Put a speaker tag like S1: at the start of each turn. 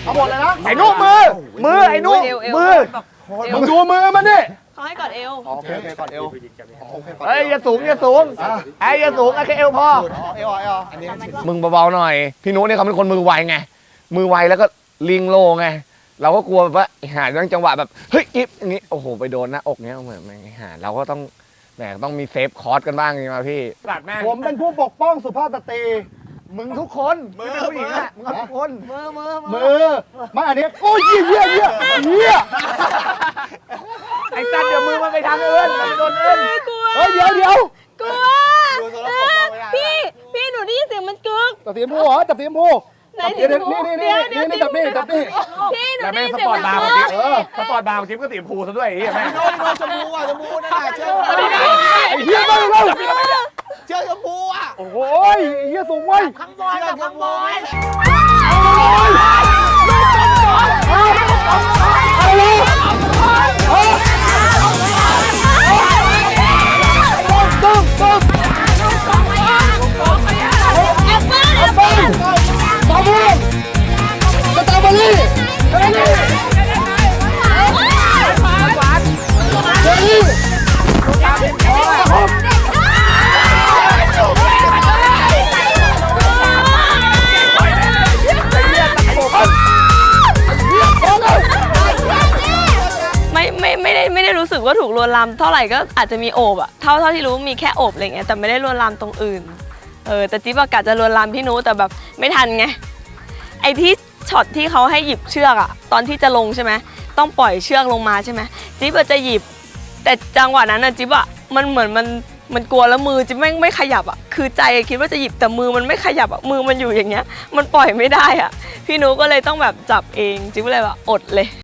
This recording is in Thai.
S1: เอาหมดเลยนะ
S2: ไอ้นุมือไอ้นุมือมึงดูมือมันดิ
S3: เขาให้กอดเอว
S1: โอเคก่อนเอวโอเคก่อน
S2: เฮ้ยอย่าสูงไอ้อย่าสูงแค่เอวพอ
S1: เอวอันนี้
S2: มึงเบาๆหน่อยพี่นุเนี่ยเขาเป็นคนมือไวไงมือไวแล้วก็ลิงโลไงเราก็กลัวแบบว่าหาจังหวะแบบเฮ้ยกิ๊บอย่างงี้โอ้โหไปโดนหน้าอกเนี้ยเหมือนไม่หาเราก็ต้องแหมต้องมีเซฟคอร์สกันบ้างจริงๆพี่
S1: ผมเป็นผู้ปกป้องสุภาพสตรี
S2: มึงทุกคนมึงเป็นผู้หญิงอะมึงทุกคน
S1: มือมาอันนี้โอ้ยเหี้ย
S2: ไอ้สัตว์เดี๋ยวมือมันไปทางเอิญมันโดนเอิญ
S1: เฮ้ยเดี๋ยว
S3: กลัวพี่หนูได้ยินเสียงมันกึก
S1: จับสีชมพูเหรอจับสีชมพู
S3: ไหน
S1: นี่จับนี่
S3: พี่หนู
S2: แล้ว
S3: ได้
S2: แม่
S3: ยิน
S2: ส
S3: เสียง
S2: ปอร์ต
S3: มัน
S2: บาร์
S3: กึ
S2: ของ
S3: ก
S2: จิ๊บสปอร์ตบาร์ของจิ๊บก็ตีพูซะด้วยไอ้เหี้ยแม่
S1: ชมพูอ่ะชมพูนั่นแหละเชือก
S2: ไอ้เหี้ยไม่เล่า
S1: เชือกชมพูอ่ะ
S2: โอ้โหเหี้ยสูงไว้
S1: เชือกชมพู
S3: ไม่ได้รู้สึกว่าถูกลวนลามเท่าไหร่ก็อาจจะมีโอบอะเท่าที่รู้มีแค่โอบอะไรเงี้ยแต่ไม่ได้ลวนลามตรงอื่นแต่จิ๊บกะจะลวนลามพี่นุแต่แบบไม่ทันไงไอ้ที่ช็อตที่เขาให้หยิบเชือกอะตอนที่จะลงใช่ไหมต้องปล่อยเชือกลงมาใช่ไหมจิ๊บจะหยิบแต่จังหวะนั้นอะจิ๊บอะมันเหมือนมันกลัวแล้วมือจิ๊บไม่ขยับอะคือใจคิดว่าจะหยิบแต่มือมันไม่ขยับอะมือมันอยู่อย่างเงี้ยมันปล่อยไม่ได้อะพี่นุก็เลยต้องแบบจับเองจิ๊บเลยแบบอดเลย